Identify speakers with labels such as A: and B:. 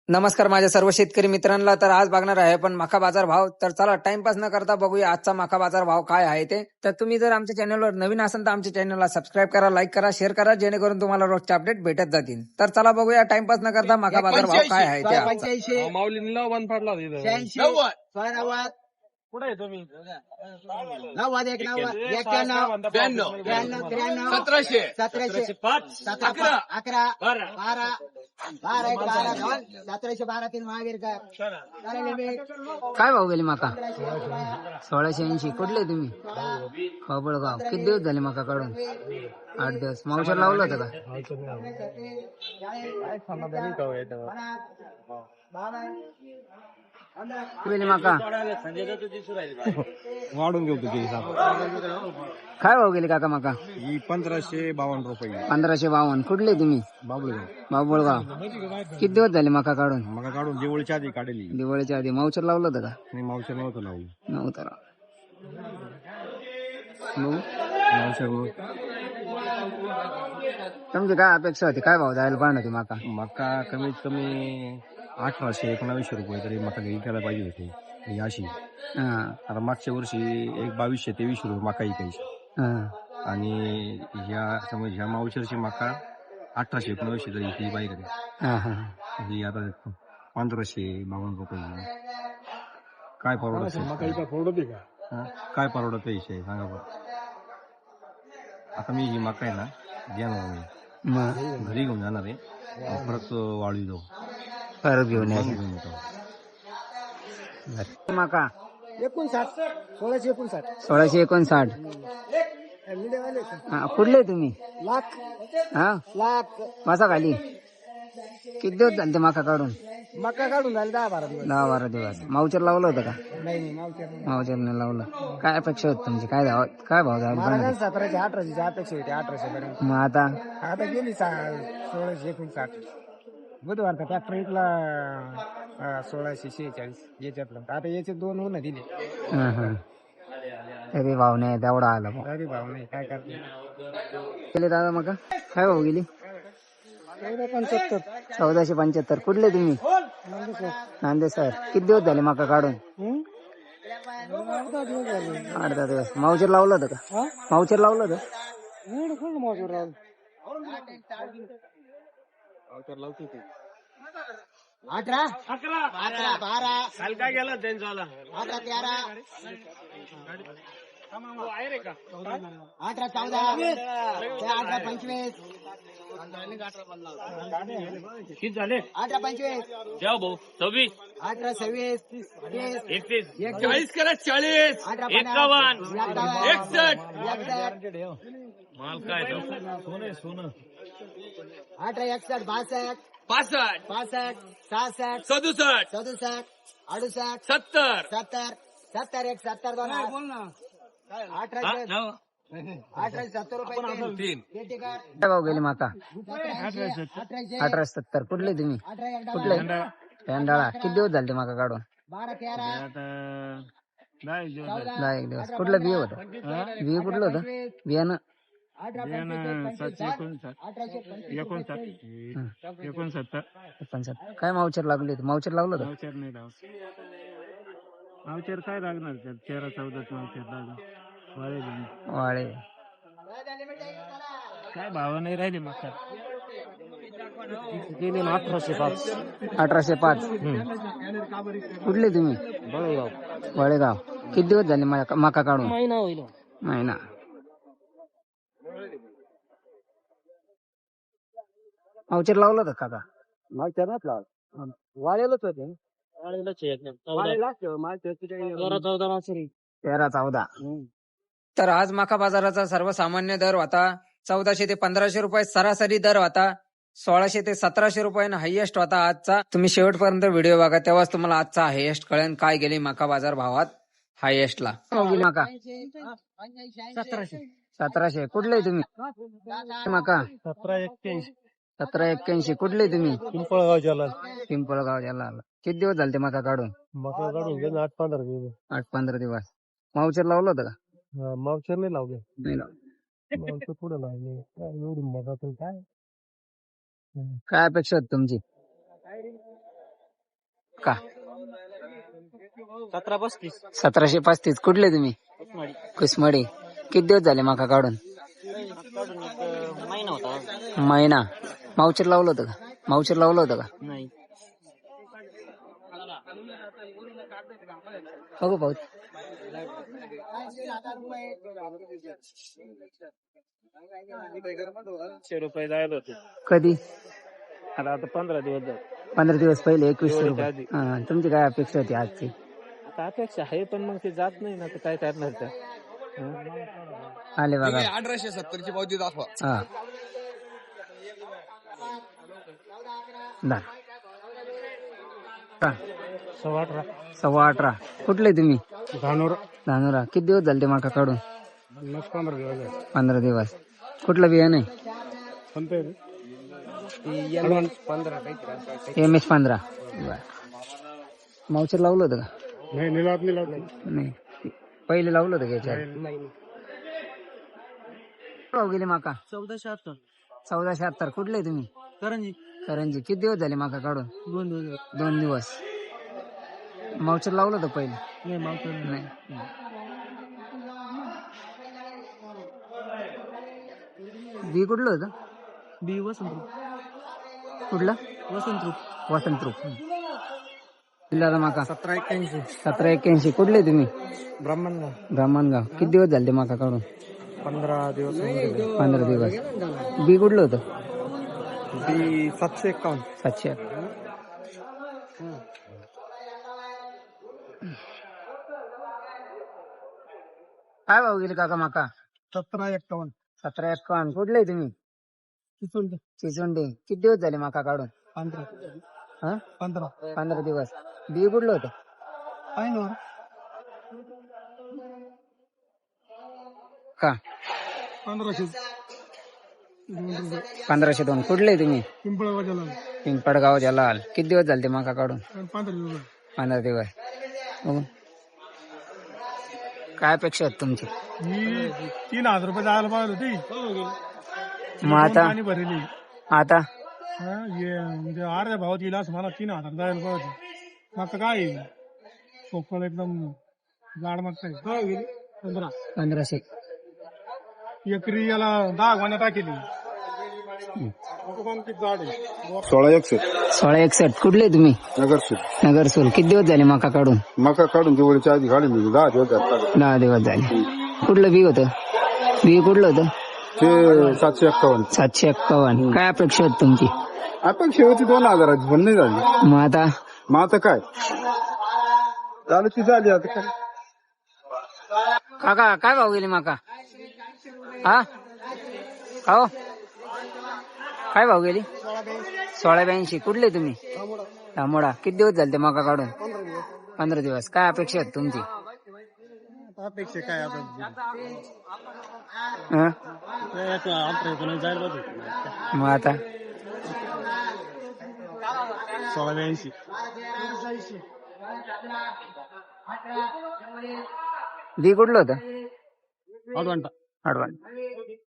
A: नमस्कार माझ्या सर्व शेतकरी मित्रांना. तर आज बघणार आहे पण मका बाजार भाव. तर चला टाइमपास न करता बघूया आजचा मका बाजार भाव काय आहे ते. तर तुम्ही जर आमच्या चॅनलवर नवीन असाल तर आमच्या चॅनलला सबस्क्राईब करा, लाईक करा, शेअर करा, जेणेकरून तुम्हाला रोजचे अपडेट भेटत जातील. तर चला बघूया टाइमपास न करता मका बाजार भाव काय आहे ते आजचा.
B: माऊलींना वन फाडला कुठे आहे तुम्ही?
C: 1712 महावीर का
A: काय भाव गेली मका? 1680. कुठले तुम्ही? बाबळगाव. किती दिवस झाले मका काढून? 8 दिवस. मावशर लावलं होतं का? मका
B: वाढून घेऊ तुझी
A: काय भाव गेली काका मका?
B: 1552 रुपये.
A: 1552. कुठले तुम्ही?
B: बाबुळगाव.
A: बाबुळगाव. किती दिवस झाले मका काढून?
B: मग काढून दिवाळीच्या आधी काढली.
A: दिवाळीच्या आधी. मावचर लावलं होतं का?
B: मी मावशर नव्हतं लावू.
A: नव्हतं. तुमची काय अपेक्षा होती? काय भाव जायला पाहिजे होती मका?
B: मका कमीत कमी 1800-1900 रुपये तरी मका विकायला पाहिजे होते. अशी आता मागच्या वर्षी 2200-2300 रुपये मका विकायची. आणि ह्या मावशरची मका 1800-1900 तरी विकली पाहिजे. ही आता 1552 रुपये. काय परवडत? काय परवडत विषय सांगा बरं. आता मी ही मका आहे ना घेणार मी घरी घेऊन जाणार आहे. परत वाळू जाऊ
A: परत घेऊन येतो मका. 1659. कुठले तुम्ही? लाख मासा खाली. किती दिवस झाले ते मका काढून?
C: मका काढून झाले 10-12
A: दिवस. मावचर लावलं होतं का?
C: नाही
A: मावचरने लावलं. काय अपेक्षा होती तुमची? काय भाव जायला?
C: 1700-1800 अपेक्षा होती. 1800 पर्यंत.
A: मग आता
C: गेली 1659. बुधवारचा ट्रॅक्टर इथला 1646 याच्यातलं. आता याचे 2 होणं दिले
A: तरी भाव नाही तेवढा आला.
C: तरी भाव नाही. काय करते
A: गेले दादा मका? काय भाव गेली? 1475. कुठले तुम्ही? नांदे सर. किती दिवस झाले मका काढून? 8-10 दिवस. मावचर लावलं होतं का? मावचर लावलं होतं?
C: 18 12
B: काल काय गेला त्यांचा
C: 18-13 18-14 18-25
B: किती झाले?
C: 18-25
B: द्या भाऊ 26
C: 18-26
B: 31 40 करा 40 51 61 माल काय सोनं
C: 18-61 62
B: 65
C: 65 66
B: 67
C: 67 68
B: 70
C: 70 70 1 70 2 बोल ना 1870 रुपये
B: तीन.
A: काय भाव गेली माका? 1870. कुठले तुम्ही? कुठले? पेंडाळा. किती दिवस झाले माका काढून? 10 एक दिवस. कुठलं बिय होतं? बिय कुठलं होतं? बियाणं 69. काय मावचर लागले? मावचर लावलं होतं?
B: मावचर काय लागणार? 13-14 मावचर लागणार.
A: वाळे.
B: काय भाव नाही राहिले मग
A: 1805. कुठले तुम्ही? वळेगाव. किती दिवस झाले मका काढून? महिना. मावचर लावलं होतं काका?
C: मागच्या नाच लाव वाळेलच होते
A: 13-14. तर आज मका बाजाराचा सर्वसामान्य दर होता 1400 ते 1500 रुपये. सरासरी दर होता 1600 ते 1700 रुपयानं हायएस्ट होता आजचा. तुम्ही शेवटपर्यंत व्हिडिओ बघा, तेव्हाच तुम्हाला आजचा हायएस्ट कळेल काय गेली मका बाजार भावात हायएस्टला. मका 1700. कुठले तुम्ही? मका 1781. कुठले तुम्ही?
B: पिंपळगाव जलाल.
A: पिंपळगाव जलाल. किती दिवस झाले ते मका काढून?
B: मका काढून 8-15 दिवस.
A: 8-15 दिवस. मावचर लावलं होतं का?
B: मावचर नाही लावले.
A: नाही लावलं.
B: मावचर पुढे लावले. एवढी मका काय
A: काय अपेक्षा होती तुमची? का
C: 1735.
A: 1735. कुठले तुम्ही? कुसमडी. किती दिवस झाले मका काढून?
C: महिना होता.
A: महिना. मावचर लावलं होतं का? मावचर लावलं होतं का?
C: नाही.
A: बघू भाऊ.
C: ₹100 जायला होते.
A: कधी?
C: आता 15 दिवस झाले.
A: 15 दिवस पहिले 2100
C: दिवाळीच्या
A: रुपये.
C: आधी.
A: हा, तुमची काय अपेक्षा होती आजची?
C: आता अपेक्षा आहे पण मग ते जात नाही ना, तर काय करणार त्या.
A: आले बघा.
B: 1870 पावती दाखवा.
A: हा. दा. का? 18.25. कुठले तुम्ही? धानोरा. किती दिवस झाले ते मका काढून?
C: 15 दिवस झाले.
A: 15 दिवस. कुठलं बियाणं आहे? MS 15. मावचर लावलं होतं का? नाही. पहिले लावलं होतं का याच्यावर? भाव गेले माका?
C: 1476.
A: 1476. कुठले तुम्ही? करंजी. किती दिवस झाले माका काढून? 2 दिवस. मावचर लावलं होतं पहिले? नाही. बी कुठलं होतं? कुठलं? वसंतरूप. जिल्हा माका 1781. कुठले तुम्ही? ब्राह्मणगाव. किती दिवस झाले माका काढून?
C: 15 दिवस.
A: 15 दिवस. बी कुठलं होतं?
C: 751.
A: 700. काय भाव गेले काका माका?
C: 1751.
A: 1751. कुठले तुम्ही? चिचोंडे. किती दिवस झाले माका काढून? 15 दिवस. बी कुठलं होतं? का? 1502. कुठले तुम्ही? पिंपळगाव जलाल. किती दिवस झाले ते माका काढून? 15 दिवस. बघू. काय अपेक्षा आहेत तुमची?
C: 3000 रुपये जायला पाहिजे होती.
A: मग आता? आता
C: म्हणजे अर्ध्या भावात येईल असं मला 3000 जायला पाहिजे. मग काय पोकळ एकदम जाड मागताय.
A: 1500.
C: एकरी याला 10 गोण्या टाकेली.
A: 1661. कुठले तुम्ही? नगरसूल. किती दिवस झाले मका काढून?
B: मका काढून दिवाळीच्या आधी काढून 10 दिवस झाले.
A: 10 दिवस झाले. कुठलं बी होतं? बी कुठलं होतं?
B: ते 751.
A: 751. काय अपेक्षा होती तुमची?
B: आपण शेवटी 2000 पण नाही झाली.
A: मग आता
B: काय झालं ती झाली. आता काय
A: काका काय भाव गेले माका? हा हो. काय भाव गेली? 1682. कुठले तुम्ही? तांबोडा. किती दिवस झाले ते मका काढून? 15 दिवस. काय अपेक्षा आहेत तुमची?
C: अपेक्षा काय आता
A: मग आता
C: 1682.
A: बी कुठलं होतं?
C: अडवांटा.
A: अडवाण.